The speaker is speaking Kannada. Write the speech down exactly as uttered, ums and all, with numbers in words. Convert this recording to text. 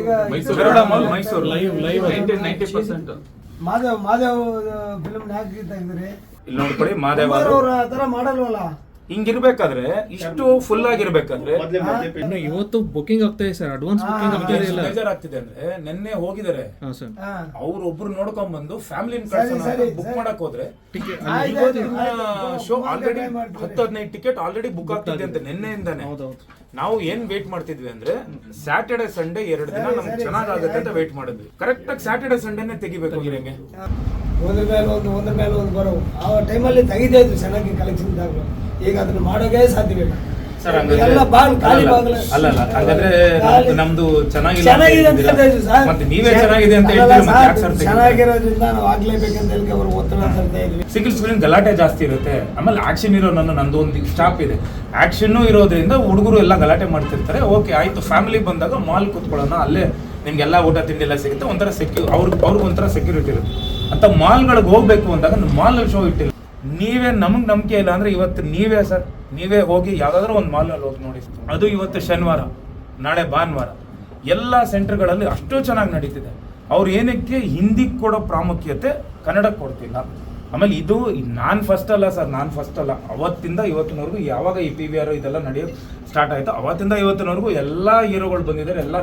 ಈಗ Garuda mall Mysuru live live ninety ninety percent Madhav Madhav film ಯಾಕೆ ತೆಗೆದ್ರಿ? ಇಲ್ಲಿ ನೋಡ್ಕೊಳ್ಳಿ ಮಾದೇವ ಅವ್ರ ಆ ತರ ಮಾಡಲ್ವಲ್ಲ. ಹಿಂಗಿರ್ಬೇಕಾದ್ರೆ ಇಷ್ಟು ಫುಲ್ ಆಗಿರ್ಬೇಕಾದ್ರೆ ಇನ್ನು ಇವತ್ತು ಬುಕಿಂಗ್ ಆಗ್ತಾ ಇದೆ ಸರ್, ಅಡ್ವಾನ್ಸ್ ಬುಕಿಂಗ್ ಆಗ್ತಾ ಇಲ್ಲ. ಬೇಜಾರಾಗ್ತಿದೆ ಅಂದ್ರೆ ನಿನ್ನೆ ಹೋಗಿದ್ದಾರೆ ಹಾಂ ಸರ್, ಅವ್ರು ಒಬ್ರು ನೋಡ್ಕೊಂಡ್ ಬಂದು ಫ್ಯಾಮಿಲಿ ಸರಿ, ಬುಕ್ ಸರಿ. ಮಾಡಕ್ ಹೋದ್ರೆ ಟಿಕೆಟ್ ಆಯ್ತು, ಇವತ್ತು ಆಯ್ತು, ಇನ್ನ ಆಯ್ತು. ಶೋ ಬುಕ್ ಆಲ್ರೆಡಿ ಮಾಡಿ ಮಾಡ್ತೀವಿ. ಹತ್ತು ಹದಿನೈದು ಟಿಕೆಟ್ ಆಲ್ರೆಡಿ ಬುಕ್ ಆಗ್ತಿದೆ ಅಂತ ನಿನ್ನೆಯಿಂದಾನೆ. ಹೌದೌದು. ನಾವು ಏನ್ ವೇಟ್ ಮಾಡ್ತಿದ್ವಿ ಅಂದ್ರೆ ಸ್ಯಾಟರ್ಡೆ ಸಂಡೇ ಎರಡು ದಿನ ಸರಿ, ನಮ್ಗೆ ಸರಿ, ಚೆನ್ನಾಗಾಗುತ್ತೆ ಸರಿ, ಅಂತ ವೇಟ್ ಮಾಡಿದ್ವಿ. ಕರೆಕ್ಟ್ ಆಗಿ ಸ್ಯಾಟರ್ಡೆ ಸಂಡೇನೆ ತೆಗಿಬೇಕು ಹಿರಂಗೆ. ಒಂದ್ರ ಮೇಲೆ ಒಂದು ಒಂದ್ರ ಮೇಲೆ ಒಂದು ಬರೋವು ಆ ಟೈಮಲ್ಲಿ ತೆಗಿತಾ ಇದ್ರು ಚೆನ್ನಾಗಿ ಕಲೆಕ್ಷನ್ ಇದ್ದಾಗಲೂ. ಈಗ ಅದನ್ನ ಮಾಡೋಕೆ ಸಾಧ್ಯವಿಲ್ಲ ಸರ್ ಎಲ್ಲ ಬಾಗಿಲು ಖಾಲಿ ಬಾಗಿಲು. ಅಲ್ಲ ಅಲ್ಲ ಹಾಗಾದ್ರೆ ಖಾಲಿ. ನಮ್ದು- ನಮ್ದು ಚೆನ್ನಾಗಿಲ್ಲ ಚೆನ್ನಾಗಿದೆ ಅಂತ ಅಂತ ಹೇಳ್ತಿದ್ದೀರಾ? ಹೇಳ್ತಿದ್ರು ಸರ್. ಮತ್ತೆ ನೀವೇ ಚೆನ್ನಾಗಿದೆ ಅಂತ ಅಲ್ಲ ಹೇಳ್ತೀರಾ, ಮತ್ತೆ ಸರ್, ಯಾಕೆ ಸರ್ ತೆಗಿತೀರಾ? ಚೆನ್ನಾಗಿರೋದ್ರಿಂದ ನಾವು ಆಗ್ಲೇಬೇಕಂತ ಹೇಳಿ ಅವರು ಒತ್ತಡ ತರ್ತಾ ಇದ್ವಿ. ಸಿಂಗಲ್ ಸ್ಕ್ರೀನ್ ಗಲಾಟೆ ಜಾಸ್ತಿ ಇರುತ್ತೆ. ಆಮೇಲೆ ಆಕ್ಷನ್ ಇರೋ ನನ್ನ ನಂದು ಒಂದು ಸ್ಟಾಪ್ ಇದೆ. ಆಕ್ಷನ್ ಇರೋದ್ರಿಂದ ಹುಡುಗರು ಎಲ್ಲ ಗಲಾಟೆ ಮಾಡ್ತಿರ್ತಾರೆ. ಓಕೆ ಆಯ್ತು, ಫ್ಯಾಮಿಲಿ ಬಂದಾಗ ಮಾಲ್ ಕೂತ್ಕೊಳ್ಳೋಣ, ಅಲ್ಲೇ ನಿಮ್ಗೆಲ್ಲ ಊಟ ತಿಂಡಿ ಎಲ್ಲ ಸಿಗುತ್ತೆ, ಒಂಥರ ಸೆಕ್ಯೂ ಅವ್ರಿಗೆ ಅವ್ರಿಗೆ ಒಂಥರ ಸೆಕ್ಯೂರಿಟಿ ಇರುತ್ತೆ ಅಂತ. ಮಾಲ್ಗಳಿಗೆ ಹೋಗ್ಬೇಕು ಅಂದಾಗ ಮಾಲಲ್ಲಿ ಶೋ ಇಟ್ಟಿಲ್ಲ. ನೀವೇ ನಮಗೆ ನಂಬಿಕೆ ಇಲ್ಲ ಅಂದ್ರೆ ಇವತ್ತು ನೀವೇ ಸರ್ ನೀವೇ ಹೋಗಿ ಯಾವ್ದಾದ್ರು ಒಂದು ಮಾಲ್ನಲ್ಲಿ ಹೋಗಿ ನೋಡಿ. ಅದು ಇವತ್ತು ಶನಿವಾರ, ನಾಳೆ ಭಾನುವಾರ, ಎಲ್ಲ ಸೆಂಟರ್ಗಳಲ್ಲಿ ಅಷ್ಟು ಚೆನ್ನಾಗಿ ನಡೀತಿದೆ. ಅವ್ರು ಏನಕ್ಕೆ ಹಿಂದಿ ಕೊಡೋ ಪ್ರಾಮುಖ್ಯತೆ ಕನ್ನಡಕ್ಕೆ ಕೊಡ್ತಿಲ್ಲ. ಆಮೇಲೆ ಇದು ನಾನು ಫಸ್ಟ್ ಅಲ್ಲ ಸರ್, ನಾನು ಫಸ್ಟ್ ಅಲ್ಲ. ಅವತ್ತಿಂದ ಇವತ್ತಿನವರೆಗೂ ಯಾವಾಗ ಈ ಪಿ ವಿ ಆರ್ ಇದೆಲ್ಲ ನಡೆಯೋದು ಸ್ಟಾರ್ಟ್ ಆಯಿತು ಅವತ್ತಿಂದ ಇವತ್ತಿನವರೆಗೂ ಎಲ್ಲ ಹೀರೋಗಳು ಬಂದಿದ್ದಾರೆ. ಎಲ್ಲ